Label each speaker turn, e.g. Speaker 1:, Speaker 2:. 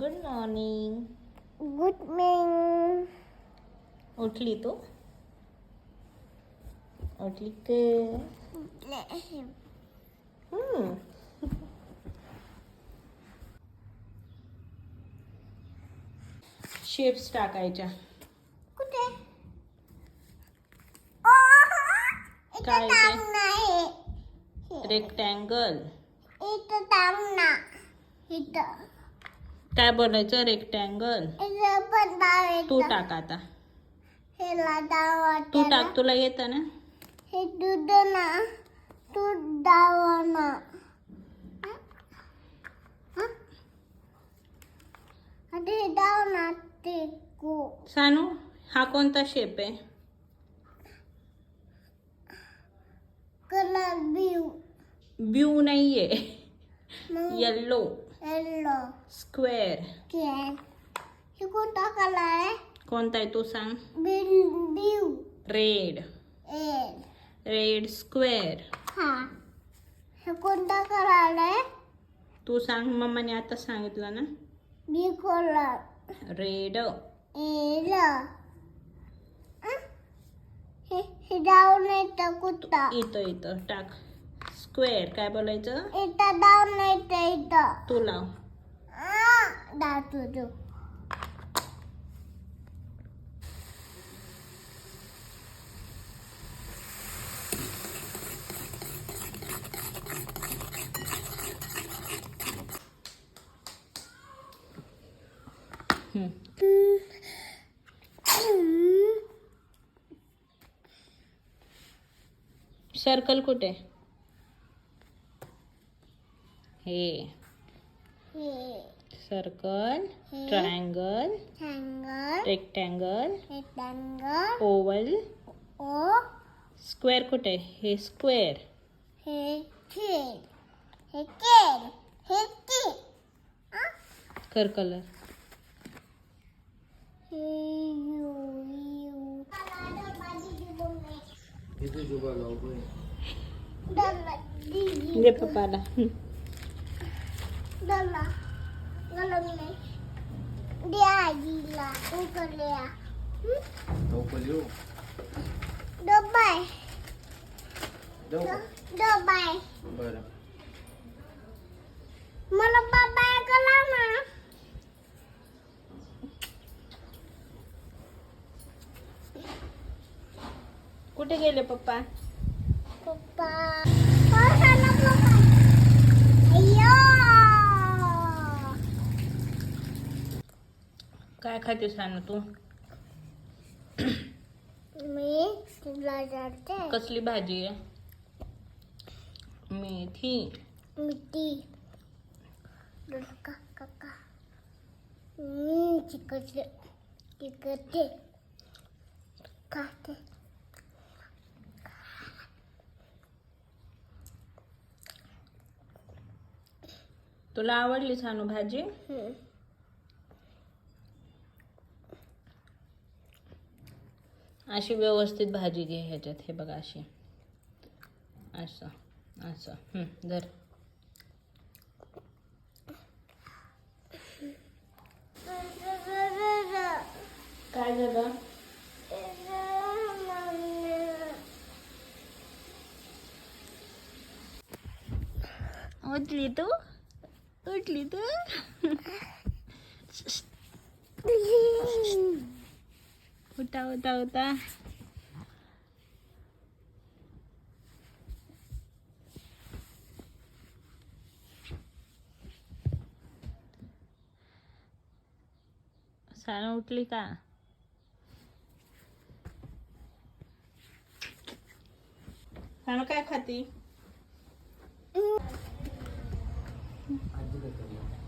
Speaker 1: Good morning.
Speaker 2: Good morning.
Speaker 1: उठली तू? उठली के? शेप्स टाकायच्या.
Speaker 2: कुठे?
Speaker 1: काय ते?
Speaker 2: टांग नाही.
Speaker 1: रेक्टँगल.
Speaker 2: इथं टांग ना. इथं.
Speaker 1: काय बोलायचं? रेक्टँगल.
Speaker 2: इथं पण डाव
Speaker 1: तू
Speaker 2: येतं.
Speaker 1: टाक आता.
Speaker 2: हेला डाव
Speaker 1: तू
Speaker 2: वाटायला.
Speaker 1: टाक, तुला येतं ना?
Speaker 2: हे दूध ना. तू डाव ना. आता हे डाव ना ते को.
Speaker 1: सानू, हा कोणता शेप आहे?
Speaker 2: Colour blue.
Speaker 1: ब्यू नाहीये.
Speaker 2: मग
Speaker 1: येल्लो.
Speaker 2: येलो.
Speaker 1: स्क्वेअर.
Speaker 2: कॅन. हे कोणता कलर आहे?
Speaker 1: कोणता आहे तू सांग?
Speaker 2: Blue.
Speaker 1: Red.
Speaker 2: Red.
Speaker 1: Red square.
Speaker 2: हा. हे कोणता कलर आहे?
Speaker 1: तू सांग, मम्माने आता सांगितलं ना.
Speaker 2: Blue colour.
Speaker 1: रेड.
Speaker 2: एड. हे डाऊन येतं कुठं?
Speaker 1: इथं इथं टाक. स्क्वेअर. काय बोलायचं?
Speaker 2: इथं डाऊन येतं इथं.
Speaker 1: तू लाव.
Speaker 2: डाव तुझं.
Speaker 1: सर्कल कुठे? हे circle. Triangle.
Speaker 2: Triangle.
Speaker 1: Rectangle.
Speaker 2: Rectangle.
Speaker 1: Oval.
Speaker 2: ओ.
Speaker 1: स्क्वेअर कुठे? हे स्क्वेअर.
Speaker 2: हे खेळ. हे खेळ. हे ती.
Speaker 1: कर कलर.
Speaker 2: Hey you.
Speaker 1: दे पप्पाला.
Speaker 2: Dala. Galang na. Dia gila. Ukalya.
Speaker 3: Ukalyo.
Speaker 2: Dobay. Dobay.
Speaker 3: बरं.
Speaker 2: मला बाबाय कला ना.
Speaker 1: कुठे गेले पप्पा?
Speaker 2: पप्पा. हो sana papa. अय्यो.
Speaker 1: काय खाते सानू तू?
Speaker 2: मी तुला जाते.
Speaker 1: कसली भाजी आहे? मेथी.
Speaker 2: मिठी. काका काका. चिकटे. चिकटे. काटे.
Speaker 1: तुला आवडली सानू भाजी? अशी व्यवस्थित भाजी घे ह्याच्यात. हे बघा अशी. असं असं. धर. काय झालं? उठली तू? उठली तू? उठा उठा उठा. सानू उठली का? सानू काय खाती?
Speaker 3: आजी काय करणार?